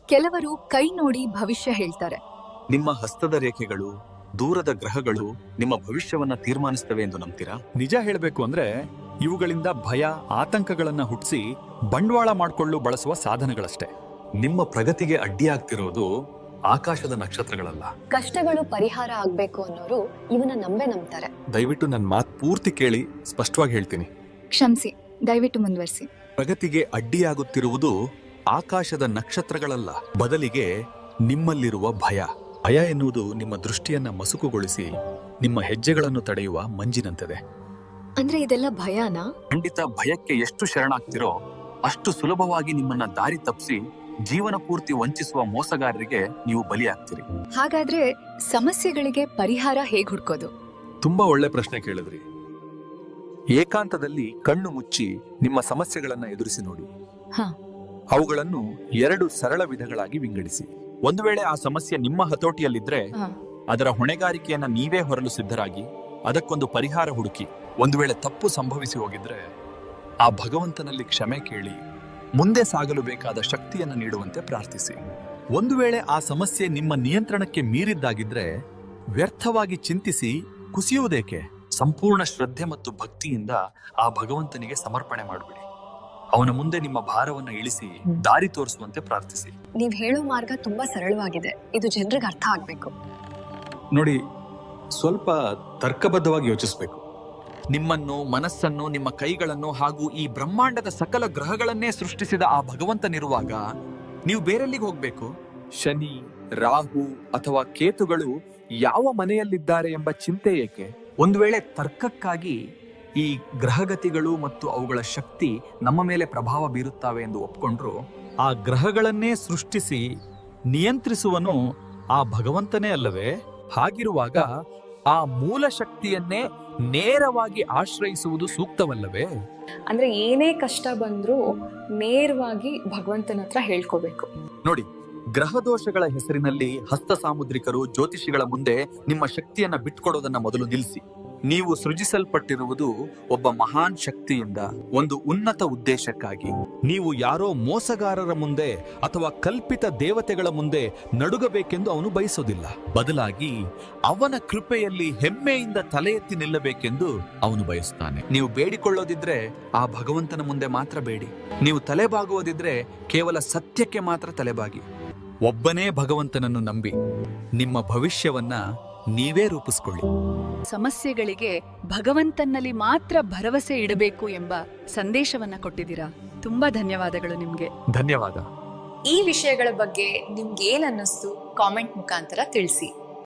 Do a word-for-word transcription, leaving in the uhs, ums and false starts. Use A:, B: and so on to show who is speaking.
A: ಕೆಲವರು ಕೈ ನೋಡಿ ಭವಿಷ್ಯ ಹೇಳ್ತಾರೆ.
B: ನಿಮ್ಮ ಹಸ್ತದ ರೇಖೆಗಳು, ದೂರದ ಗ್ರಹಗಳು ನಿಮ್ಮ ಭವಿಷ್ಯವನ್ನ ತೀರ್ಮಾನಿಸ್ತವೆ ಎಂದು ನಂಬ್ತೀರಾ?
C: ನಿಜ ಹೇಳಬೇಕು ಅಂದ್ರೆ ಇವುಗಳಿಂದ ಭಯ, ಆತಂಕಗಳನ್ನ ಹುಟ್ಟಿಸಿ ಬಂಡವಾಳ ಮಾಡಿಕೊಳ್ಳಲು ಬಳಸುವ ಸಾಧನಗಳಷ್ಟೇ.
B: ನಿಮ್ಮ ಪ್ರಗತಿಗೆ ಅಡ್ಡಿಯಾಗ್ತಿರೋದು ಆಕಾಶದ ನಕ್ಷತ್ರಗಳಲ್ಲ.
D: ಕಷ್ಟಗಳು ಪರಿಹಾರ ಆಗ್ಬೇಕು ಅನ್ನೋರು ಇವನ ನಂಬೆ ನಂಬ್ತಾರೆ.
B: ದಯವಿಟ್ಟು ನನ್ನ ಮಾತು ಪೂರ್ತಿ ಕೇಳಿ, ಸ್ಪಷ್ಟವಾಗಿ ಹೇಳ್ತೀನಿ.
A: ಕ್ಷಮಿಸಿ, ದಯವಿಟ್ಟು ಮುಂದುವರಿಸಿ.
B: ಪ್ರಗತಿಗೆ ಅಡ್ಡಿಯಾಗುತ್ತಿರುವುದು ಆಕಾಶದ ನಕ್ಷತ್ರಗಳಲ್ಲ, ಬದಲಿಗೆ ನಿಮ್ಮಲ್ಲಿರುವ ಭಯ. ಭಯ ಎನ್ನುವುದು ನಿಮ್ಮ ದೃಷ್ಟಿಯನ್ನ ಮಸುಕುಗೊಳಿಸಿ ನಿಮ್ಮ ಹೆಜ್ಜೆಗಳನ್ನು ತಡೆಯುವ ಮಂಜಿನಂತಿದೆ.
A: ಅಂದ್ರೆ ಇದೆಲ್ಲ ಭಯನಾ?
B: ಖಂಡಿತ. ಭಯಕ್ಕೆ ಎಷ್ಟು ಶರಣಾಗ್ತಿರೋ ಅಷ್ಟು ಸುಲಭವಾಗಿ ನಿಮ್ಮನ್ನ ದಾರಿ ತಪ್ಪಿಸಿ ಜೀವನ ಪೂರ್ತಿ ವಂಚಿಸುವ ಮೋಸಗಾರರಿಗೆ ನೀವು ಬಲಿಯಾಗ್ತೀರಿ.
A: ಹಾಗಾದ್ರೆ ಸಮಸ್ಯೆಗಳಿಗೆ ಪರಿಹಾರ ಹೇಗ್ ಹುಡ್ಕೋದು?
B: ತುಂಬಾ ಒಳ್ಳೆ ಪ್ರಶ್ನೆ ಕೇಳಿದ್ರಿ. ಏಕಾಂತದಲ್ಲಿ ಕಣ್ಣು ಮುಚ್ಚಿ ನಿಮ್ಮ ಸಮಸ್ಯೆಗಳನ್ನ ಎದುರಿಸಿ ನೋಡಿ.
A: ಹ.
B: ಅವುಗಳನ್ನು ಎರಡು ಸರಳ ವಿಧಗಳಾಗಿ ವಿಂಗಡಿಸಿ. ಒಂದು ವೇಳೆ ಆ ಸಮಸ್ಯೆ ನಿಮ್ಮ ಹತೋಟಿಯಲ್ಲಿದ್ರೆ
A: ಹ.
B: ಅದರ ಹೊಣೆಗಾರಿಕೆಯನ್ನ ನೀವೇ ಹೊರಲು ಸಿದ್ಧರಾಗಿ ಅದಕ್ಕೊಂದು ಪರಿಹಾರ ಹುಡುಕಿ. ಒಂದು ವೇಳೆ ತಪ್ಪು ಸಂಭವಿಸಿ ಹೋಗಿದ್ರೆ ಆ ಭಗವಂತನಲ್ಲಿ ಕ್ಷಮೆ ಕೇಳಿ ಮುಂದೆ ಸಾಗಲು ಬೇಕಾದ ಶಕ್ತಿಯನ್ನು ನೀಡುವಂತೆ ಪ್ರಾರ್ಥಿಸಿ. ಒಂದು ವೇಳೆ ಆ ಸಮಸ್ಯೆ ನಿಮ್ಮ ನಿಯಂತ್ರಣಕ್ಕೆ ಮೀರಿದ್ದಾಗಿದ್ರೆ ವ್ಯರ್ಥವಾಗಿ ಚಿಂತಿಸಿ ಕುಸಿಯುವುದೇಕೆ? ಸಂಪೂರ್ಣ ಶ್ರದ್ಧೆ ಮತ್ತು ಭಕ್ತಿಯಿಂದ ಆ ಭಗವಂತನಿಗೆ ಸಮರ್ಪಣೆ ಮಾಡಿಬಿಡಿ. ಅವನ ಮುಂದೆ ನಿಮ್ಮ ಭಾರವನ್ನು ಇಳಿಸಿ ದಾರಿ ತೋರಿಸುವಂತೆ ಪ್ರಾರ್ಥಿಸಿ.
D: ನೀವ್ ಹೇಳೋ ಮಾರ್ಗ ತುಂಬಾ ಸರಳವಾಗಿದೆ. ಇದು ಜನರಿಗೆ ಅರ್ಥ ಆಗ್ಬೇಕು.
B: ನೋಡಿ, ಸ್ವಲ್ಪ ತರ್ಕಬದ್ಧವಾಗಿ ಯೋಚಿಸಬೇಕು. ನಿಮ್ಮನ್ನು, ಮನಸ್ಸನ್ನು, ನಿಮ್ಮ ಕೈಗಳನ್ನು ಹಾಗೂ ಈ ಬ್ರಹ್ಮಾಂಡದ ಸಕಲ ಗ್ರಹಗಳನ್ನೇ ಸೃಷ್ಟಿಸಿದ ಆ ಭಗವಂತನಿರುವಾಗ ನೀವು ಬೇರೆಲ್ಲಿಗೆ ಹೋಗ್ಬೇಕು? ಶನಿ, ರಾಹು ಅಥವಾ ಕೇತುಗಳು ಯಾವ ಮನೆಯಲ್ಲಿದ್ದಾರೆ ಎಂಬ ಚಿಂತೆ ಏಕೆ? ಒಂದು ವೇಳೆ ತರ್ಕಕ್ಕಾಗಿ ಈ ಗ್ರಹಗತಿಗಳು ಮತ್ತು ಅವುಗಳ ಶಕ್ತಿ ನಮ್ಮ ಮೇಲೆ ಪ್ರಭಾವ ಬೀರುತ್ತವೆ ಎಂದು ಒಪ್ಕೊಂಡ್ರು,
C: ಆ ಗ್ರಹಗಳನ್ನೇ ಸೃಷ್ಟಿಸಿ ನಿಯಂತ್ರಿಸುವನು ಆ ಭಗವಂತನೇ ಅಲ್ಲವೇ? ಹಾಗಿರುವಾಗ ಆ ಮೂಲ ಶಕ್ತಿಯನ್ನೇ ನೇರವಾಗಿ ಆಶ್ರಯಿಸುವುದು ಸೂಕ್ತವಲ್ಲವೇ?
E: ಅಂದ್ರೆ ಏನೇ ಕಷ್ಟ ಬಂದ್ರೂ ನೇರವಾಗಿ ಭಗವಂತನ ಹತ್ರ ಹೇಳ್ಕೋಬೇಕು.
B: ನೋಡಿ, ಗ್ರಹದೋಷಗಳ ಹೆಸರಿನಲ್ಲಿ ಹಸ್ತ ಸಾಮುದ್ರಿಕರು, ಜ್ಯೋತಿಷಿಗಳ ಮುಂದೆ ನಿಮ್ಮ ಶಕ್ತಿಯನ್ನ ಬಿಟ್ಕೊಡೋದನ್ನ ಮೊದಲು ನಿಲ್ಲಿಸಿ. ನೀವು ಸೃಜಿಸಲ್ಪಟ್ಟಿರುವುದು ಒಬ್ಬ ಮಹಾನ್ ಶಕ್ತಿಯಿಂದ, ಒಂದು ಉನ್ನತ ಉದ್ದೇಶಕ್ಕಾಗಿ.
C: ನೀವು ಯಾರೋ ಮೋಸಗಾರರ ಮುಂದೆ ಅಥವಾ ಕಲ್ಪಿತ ದೇವತೆಗಳ ಮುಂದೆ ನಡುಗಬೇಕೆಂದು ಅವನು ಬಯಸೋದಿಲ್ಲ. ಬದಲಾಗಿ ಅವನ ಕೃಪೆಯಲ್ಲಿ ಹೆಮ್ಮೆಯಿಂದ ತಲೆ ಎತ್ತಿ ನಿಲ್ಲಬೇಕೆಂದು ಅವನು ಬಯಸುತ್ತಾನೆ.
B: ನೀವು ಬೇಡಿಕೊಳ್ಳೋದಿದ್ರೆ ಆ ಭಗವಂತನ ಮುಂದೆ ಮಾತ್ರ ಬೇಡಿ. ನೀವು ತಲೆಬಾಗುವುದಿದ್ರೆ ಕೇವಲ ಸತ್ಯಕ್ಕೆ ಮಾತ್ರ ತಲೆಬಾಗಿ.
C: ಒಬ್ಬನೇ ಭಗವಂತನನ್ನು ನಂಬಿ ನಿಮ್ಮ ಭವಿಷ್ಯವನ್ನ ನೀವೇ ರೂಪಿಸ್ಕೊಳ್ಳಿ.
F: ಸಮಸ್ಯೆಗಳಿಗೆ ಭಗವಂತನಲ್ಲಿ ಮಾತ್ರ ಭರವಸೆ ಇಡಬೇಕು ಎಂಬ ಸಂದೇಶವನ್ನ ಕೊಟ್ಟಿದ್ದೀರಾ. ತುಂಬಾ ಧನ್ಯವಾದಗಳು ನಿಮ್ಗೆ.
B: ಧನ್ಯವಾದ.
E: ಈ ವಿಷಯಗಳ ಬಗ್ಗೆ ನಿಮ್ಗೆ ಏನ್ ಅನ್ನಿಸ್ತು ಕಾಮೆಂಟ್ ಮುಖಾಂತರ ತಿಳಿಸಿ.